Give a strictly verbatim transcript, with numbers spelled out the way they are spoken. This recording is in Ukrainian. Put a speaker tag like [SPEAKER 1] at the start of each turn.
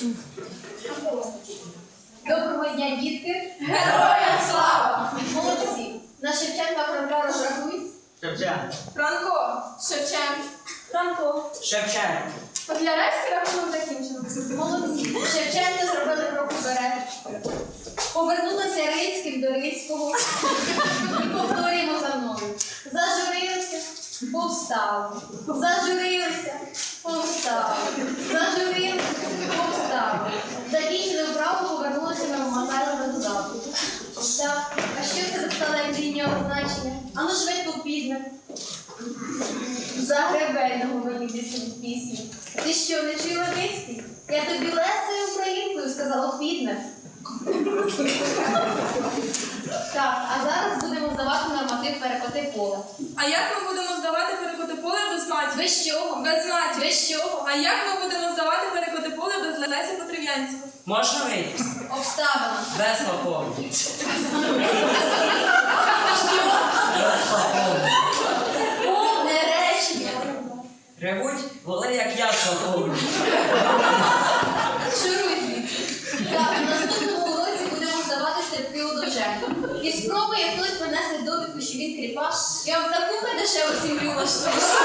[SPEAKER 1] Доброго дня, дітки!
[SPEAKER 2] Героям слава!
[SPEAKER 1] Молодці! На Шевченка Франка розрахують?
[SPEAKER 3] Шевченко.
[SPEAKER 2] Франко, Шевченко.
[SPEAKER 1] Франко.
[SPEAKER 3] Шевченко.
[SPEAKER 2] Котляревський рахунок закінчено.
[SPEAKER 1] Молодці! Шевченка зробили крок уперед. Повернулися Рицьким до Рицького. І повторюємо за мною. Зажурилися, повстали. Зажурилися, повстали. Зажурилися, повстали. Закінчили вправу, повернулися на Мазайлове додатку. Так, а що це за стале лінійного значення? Ану швидко підне. Загребельного мені пісні пісні. Ти що, не чула Рицький? Я тобі лесою українкою сказала підне. Так, а зараз будемо здавати норматив перекоти поле.
[SPEAKER 2] А як ми будемо здавати перекоти поле без матір?
[SPEAKER 1] Без чого?
[SPEAKER 2] Без матір.
[SPEAKER 1] Без чого?
[SPEAKER 2] А як ми будемо здавати перекоти поле без Лесі Потрив'янського?
[SPEAKER 3] Можна вийти?
[SPEAKER 1] Обставина.
[SPEAKER 3] Без лапову.
[SPEAKER 1] Повне речення.
[SPEAKER 3] Ревуть, воли, як я слапову.
[SPEAKER 1] Шуруй звідси. Так, у наступному уроці будемо здавати стрибки у довженьку. І спробує хтось принести довідку, що він кріпаш. Я вам таку дешеву сім'ю влаштую.